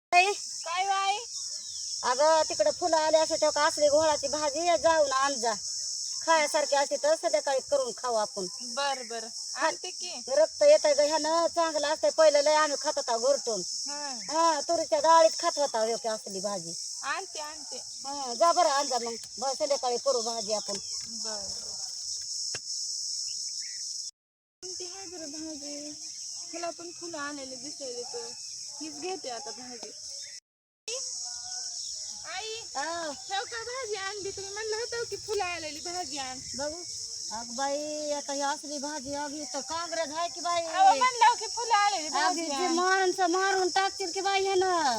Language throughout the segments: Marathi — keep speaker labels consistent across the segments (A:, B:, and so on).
A: काय बाई
B: अगं तिकडे फुलं आले असते तेव्हा असली घोळाची भाजी जाऊन आण जा. खायासारखी असते तर संध्याकाळी करून खाऊ आपण.
A: बर बर आणते की.
B: रक्त येत ग ह्यानं चांगलं असतंय. पहिलं लय आम्ही खात होता घरटून. हा तुरीच्या डाळीत खात होता योग्य असली भाजी.
A: आणते आणते.
B: हा जा बरं आण जा मग संध्याकाळी करू भाजी आपण.
A: बर कोणती आहे बरं भाजी? मला पण फुलं आलेले दिसले तर हीच घेते आता भाजी. आई ठेव का भाजी आणली? तुम्ही म्हणलं होतं की फुलं आलेली भाजी आण.
B: बघू अग बाई आता ही असली भाजी अगदी तर काँग्रेस आहे की बाई.
A: म्हणलं की फुलं आलेली भाजी
B: अगदी माणसं मारून टाकतील की बाई ह्यानं.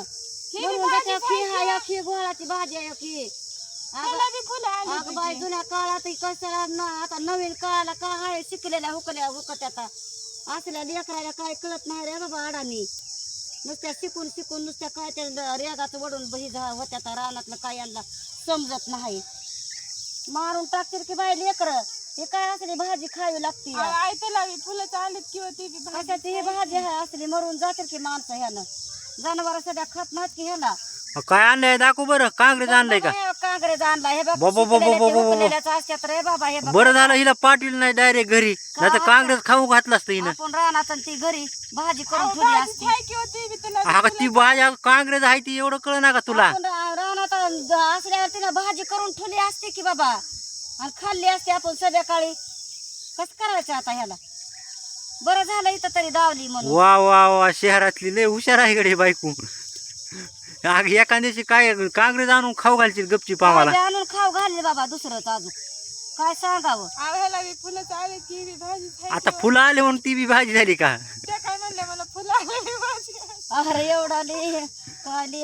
B: घोळाची भाजी आहे की. अगं बाई जुन्या काळात कसं आता नवीन काळाला काय आहे शिकलेल्या हुकल्या हुकत आता असल्या लेकराला काय कळत नाही रे बाबा अडाणी. नुसत्या शिकून शिकून नुसत्या काय त्या रेगाचं वडून बही होत्या तर रानातलं काय यांना समजत नाही. मारून टाकतील की बाई लेकर. हे काय असली भाजी खावी लागते.
A: फुलं चालत किंवा ती
B: ही भाजी आहे असली मरून जातील की माणसं ह्यानं. जनावर सध्या खात नाहीत की ह्याला.
C: काय आणलंय दाखव बरं. काँग्रेस आणलंय का?
B: काँग्रेस आणला हे असतात रे बाबा. हे
C: बरं झालं हिला पाटील नाही डायरेक्ट घरी, नाही तर काँग्रेस खाऊ घातलं असतं हिनं.
B: आपण रानात ती घरी भाजी करून ठेवली असती.
C: अगं ती भाजी काँग्रेस आहे ती एवढं कळ ना का तुला?
B: आपण रानात असल्यावर तिनं भाजी करून ठेवली असते की बाबा आणि खाल्ली असते आपण संध्याकाळी. कस करायचं आता ह्याला? बरं झालं इथं तरी दावली म्हणून.
C: वा वा वा शहरातली लय हुशार आहे गडे बायको. अग एका दिवशी काय काँग्रेस आणून खाऊ घालशील गपचीप आम्हाला.
B: आणून खाऊ घालले बाबा दुसरंच अजून काय सांगावं.
A: फुलं चालत की भाजी.
C: आता फुलं आले म्हणून ती बी भाजी झाली का?
A: त्या काय म्हणल्या मला फुलं आलेली भाजी.
B: अरे एवढा काय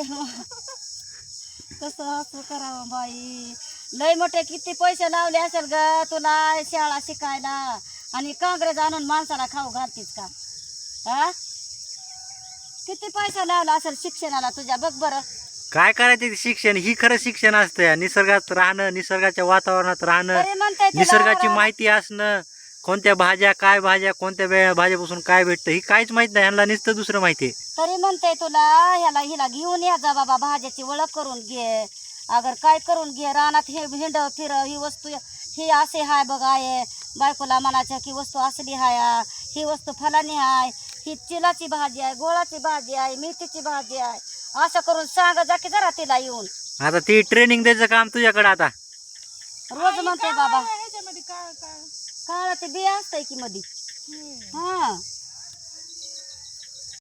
B: कसं असं करावं बाई. लय मोठे किती पैसे लावले असेल ग तुला शाळा शिकायला आणि काँग्रेस आणून माणसाला खाऊ घालतीस का? हा किती पैसा लावला असेल शिक्षणाला तुझ्या बघ बरं.
C: काय करायचं शिक्षण? ही खरं शिक्षण असतं. निसर्गात राहणं, निसर्गाच्या वातावरणात राहणं, निसर्गाची माहिती असणं. कोणत्या भाज्या काय भाज्या कोणत्या भाज्यापासून काय भेटतं ही काहीच माहित नाही ह्यांना. नुसतं दुसरं माहितीये.
B: तरी म्हणते तुला हिला घेऊन या जा बाबा. भाज्याची ओळख करून घे. अगर काय करून घे रानात हे हिंड फिर ही वस्तू ही असे हाय बघ आहे. बायकोला म्हणायचं की वस्तू असली हाय, ही वस्तू फलानी हाय, ही चिलाची भाजी आहे, गोळाची भाजी आहे, मेथीची भाजी आहे, असं करून सांग जा की जरा तिला येऊन.
C: आता ती ट्रेनिंग द्यायचं काम तुझ्याकडे आता.
B: रोज म्हणते बाबा
A: ह्याच्यामध्ये काय काय
B: काळा ते बिया असतंय की मधी. हा